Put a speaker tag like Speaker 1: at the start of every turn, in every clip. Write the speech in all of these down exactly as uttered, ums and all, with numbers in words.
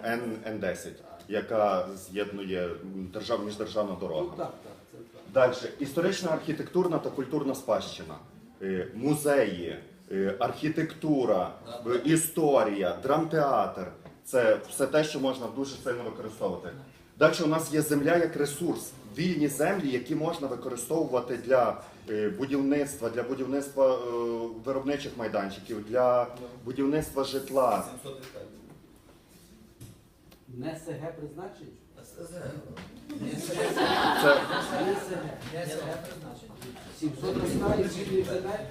Speaker 1: Н десять, яка з'єднує держав, міждержавна дорога.
Speaker 2: Ну, так, так, це так.
Speaker 1: Далі. Історична, архітектурна та культурна спадщина. Е, Музеї, е, архітектура, е, історія, драмтеатр. Це все те, що можна дуже сильно використовувати. Далі у нас є земля як ресурс. Вільні землі, які можна використовувати для е, будівництва, для будівництва е, виробничих майданчиків, для будівництва житла.
Speaker 2: Не СГ призначить?
Speaker 1: Це,
Speaker 2: сімсот гектарів вільних земель?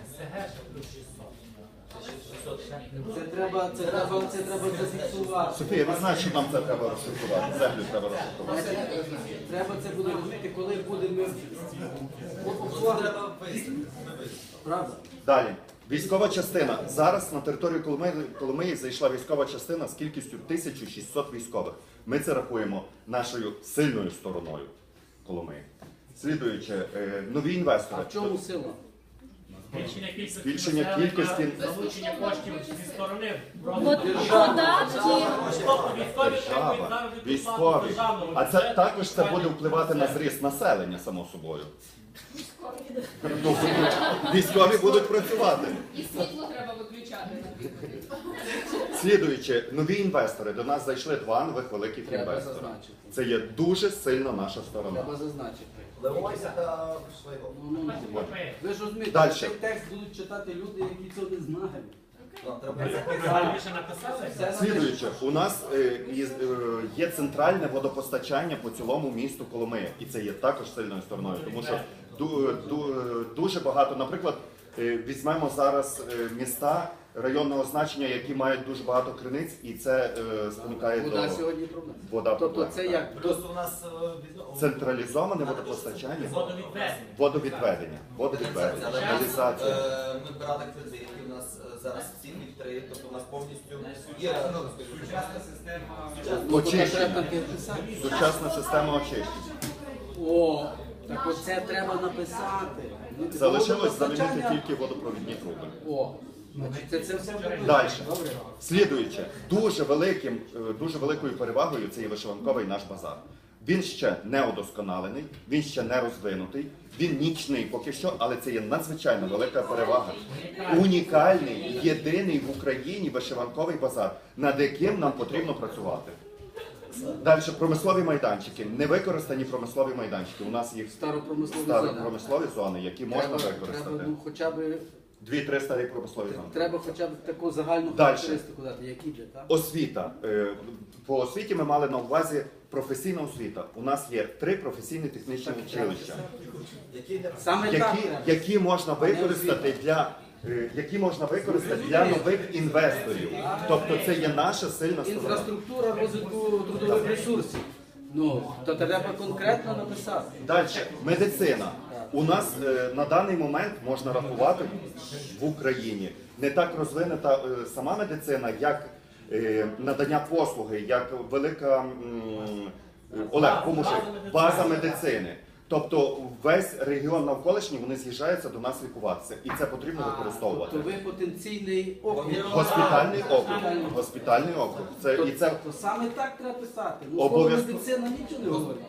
Speaker 2: Це треба, це треба, це треба зафіксувати.
Speaker 1: Софія, ви знаєте, що нам це треба розшифрувати? Землю треба розшифрувати.
Speaker 2: Треба це буде розуміти, коли будемо оформити. Правда?
Speaker 1: Далі. Військова частина. Зараз на територію Коломиї, Коломиї зайшла військова частина з кількістю тисяча шістсот військових. Ми це рахуємо нашою сильною стороною Коломиї. Слідуючи, е, нові інвестори.
Speaker 2: А в чому сила?
Speaker 3: Збільшення кількості,
Speaker 1: Збільшення
Speaker 3: населення,
Speaker 1: кількості-
Speaker 3: залучення коштів зі сторони.
Speaker 4: Податки.
Speaker 1: Держава, військові. А це також це буде впливати на зріст населення, само собою. Ну, військові будуть працювати.
Speaker 5: І світло треба виключати.
Speaker 1: Слідуючи, нові інвестори. До нас зайшли два нових великих
Speaker 2: Треба
Speaker 1: інвестори.
Speaker 2: зазначити.
Speaker 1: Це є дуже сильна наша сторона.
Speaker 2: Треба зазначити.
Speaker 6: Левойся та Швейгов.
Speaker 2: Ну, ну, ну. Ви ж розумієте,
Speaker 1: Дальше.
Speaker 2: цей текст будуть читати люди, які цього не знають.
Speaker 3: Правильніше написали?
Speaker 2: Це
Speaker 1: Слідуючи, у нас е, із- е, є центральне водопостачання по цілому місту Коломия. І це є також сильною стороною, тому що ду- ду- дуже багато, наприклад, е, візьмемо зараз е, міста районного значення, які мають дуже багато криниць, і це е, спонукає
Speaker 2: вода
Speaker 1: до
Speaker 2: сьогодні проблема.
Speaker 1: вода.
Speaker 2: Тобто
Speaker 1: проблема,
Speaker 2: це
Speaker 1: так.
Speaker 2: як
Speaker 6: Просто у нас е, від-
Speaker 1: Централізоване водопостачання,
Speaker 3: Водовідведення.
Speaker 1: водовідведення, водовідведення, каналізація.
Speaker 6: Е, Ми брали кредити, у нас е, зараз всі три, тобто у нас повністю є
Speaker 1: Очищення. Сучасна система очищення.
Speaker 2: О, так оце треба написати. Ну,
Speaker 1: Залишилось
Speaker 2: водопостачання-
Speaker 1: замінити тільки водопровідні труби.
Speaker 2: О, значить, це, це все буде.
Speaker 1: Далі.
Speaker 2: Добре.
Speaker 1: Слідуючи, дуже великим, е, дуже великою перевагою це є вишиванковий наш базар. Він ще не удосконалений, він ще не розвинутий, він нічний поки що, але це є надзвичайно велика перевага. Унікальний, єдиний в Україні вишиванковий базар, над яким нам потрібно працювати. Далі промислові майданчики, невикористані промислові майданчики. У нас їх
Speaker 2: Старопромислові
Speaker 1: старі
Speaker 2: зони.
Speaker 1: промислові зони, які можна
Speaker 2: Треба,
Speaker 1: використати.
Speaker 2: треба, ну, хоча б,
Speaker 1: Дві-три старі промислові зони.
Speaker 2: треба хоча б таку загальну
Speaker 1: Дальше.
Speaker 2: характеристику дати, які де, так?
Speaker 1: Освіта. Е, По освіті ми мали на увазі професійна освіта. У нас є три професійні технічні училища,
Speaker 6: які не
Speaker 2: Саме так
Speaker 1: які,
Speaker 2: треба.
Speaker 1: які можна використати для е, які можна використати для нових інвесторів. Тобто це є наша сильна сторона.
Speaker 2: Інфраструктура розвитку трудових ресурсів. Ну, то треба конкретно написати.
Speaker 1: Далі, медицина. У нас е, на даний момент можна рахувати в Україні не так розвинена е, сама медицина, як е, надання послуги, як велика м, е, Олег, поможи, база медицини. Тобто весь регіон навколишній вони з'їжджаються до нас лікуватися, і це потрібно використовувати.
Speaker 2: Тобто ви потенційний округ.
Speaker 1: Госпітальний округ, госпітальний округ. Це і це
Speaker 2: То саме так треба писати. Ну, слово
Speaker 1: Обов'язково.
Speaker 2: медицина нічого не говорить.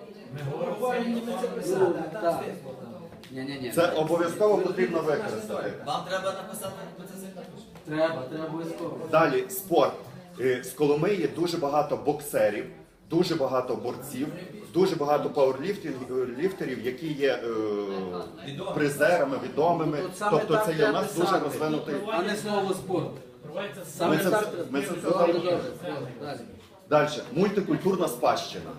Speaker 3: Ми
Speaker 2: Ну, так. Ні-ні-ні.
Speaker 1: це обов'язково потрібно використати.
Speaker 6: Вам треба написати це.
Speaker 2: Треба, треба обов'язково.
Speaker 1: Далі спорт. Е, З Коломиї дуже багато боксерів, дуже багато борців, дуже багато пауерліфтерів, які є е, призерами, відомими.
Speaker 2: От саме
Speaker 1: Тобто
Speaker 2: так
Speaker 1: це є у
Speaker 2: треба
Speaker 1: нас дуже
Speaker 2: писати.
Speaker 1: розвинутий.
Speaker 2: А не слово спорт.
Speaker 3: Проводиться
Speaker 2: Саме
Speaker 1: Ми це
Speaker 2: так
Speaker 1: все-
Speaker 2: треба.
Speaker 1: ми це все
Speaker 2: Добре,
Speaker 1: залишимо.
Speaker 2: добре, добре, далі.
Speaker 1: Далі мультикультурна спадщина.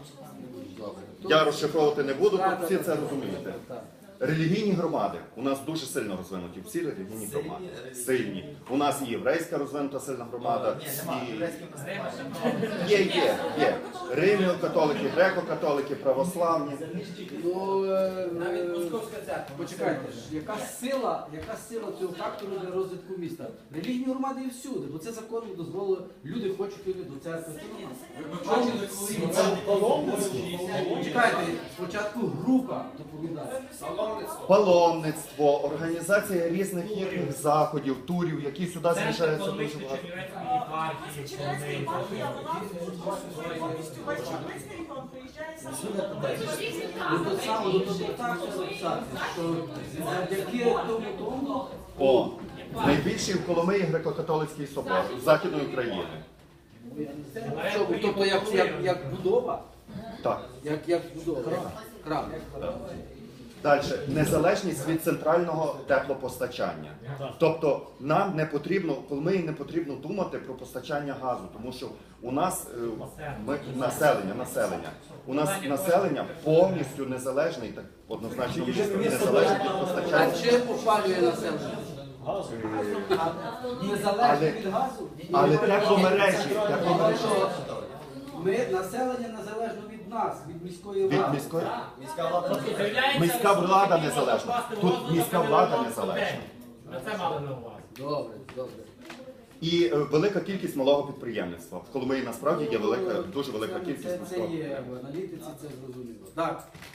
Speaker 1: Я розшифровувати не буду, тут всі це розумієте.
Speaker 2: Так.
Speaker 1: Релігійні громади у нас дуже сильно розвинуті. Всі релігійні громади сильні. У нас і єврейська розвинута сильна громада.
Speaker 6: Ні, нема.
Speaker 1: і-
Speaker 6: Єврейським
Speaker 1: Є, є, є. Римляно-католики, греко-католики, православні.
Speaker 2: Ну, е, е, почекайте, ж, яка сила, яка сила цього фактору для розвитку міста? Релігійні громади і всюди, бо це законом дозволило, люди хочуть йти до церкви. Почекайте, спочатку група доповідає.
Speaker 1: Паломництво, організація різних їхніх заходів, турів, які сюди
Speaker 3: Центр
Speaker 1: з'їжджаються дуже
Speaker 3: економічної
Speaker 1: багато.
Speaker 3: Чернівецької єпархії, Коломиї.
Speaker 4: повністю весь Чорнобильський регіон приїжджає саме.
Speaker 2: Ну, тут саме, тут тут так все записати, що завдяки тому тому,
Speaker 1: О, найбільший в Коломиї греко-католицький собор Західної України.
Speaker 2: що, тобто як, як, як будова,
Speaker 1: Так.
Speaker 2: як, як будова, храм.
Speaker 1: Далі, незалежність від центрального теплопостачання. Тобто нам не потрібно, Коломиї не потрібно думати про постачання газу, тому що у нас е, ми, населення, населення, у нас населення повністю незалежне, і так однозначно незалежне від
Speaker 2: А
Speaker 1: постачання.
Speaker 2: чим опалює населення? Незалежно
Speaker 1: Але-
Speaker 2: від газу?
Speaker 1: Але тепломережі, тепломережі
Speaker 2: Ми населення незалежно від нас, від міської
Speaker 1: від
Speaker 2: влади.
Speaker 1: міської.
Speaker 6: Міська влада
Speaker 1: Міська влада незалежна. Тут міська влада незалежна.
Speaker 3: Ми це мали на увазі.
Speaker 2: Добре, добре.
Speaker 1: І е, велика кількість малого підприємництва. В Коломиї насправді є велика, дуже велика
Speaker 2: Це-
Speaker 1: кількість
Speaker 2: Це, це
Speaker 1: малого
Speaker 2: є в аналітиці, це зрозуміло. Так.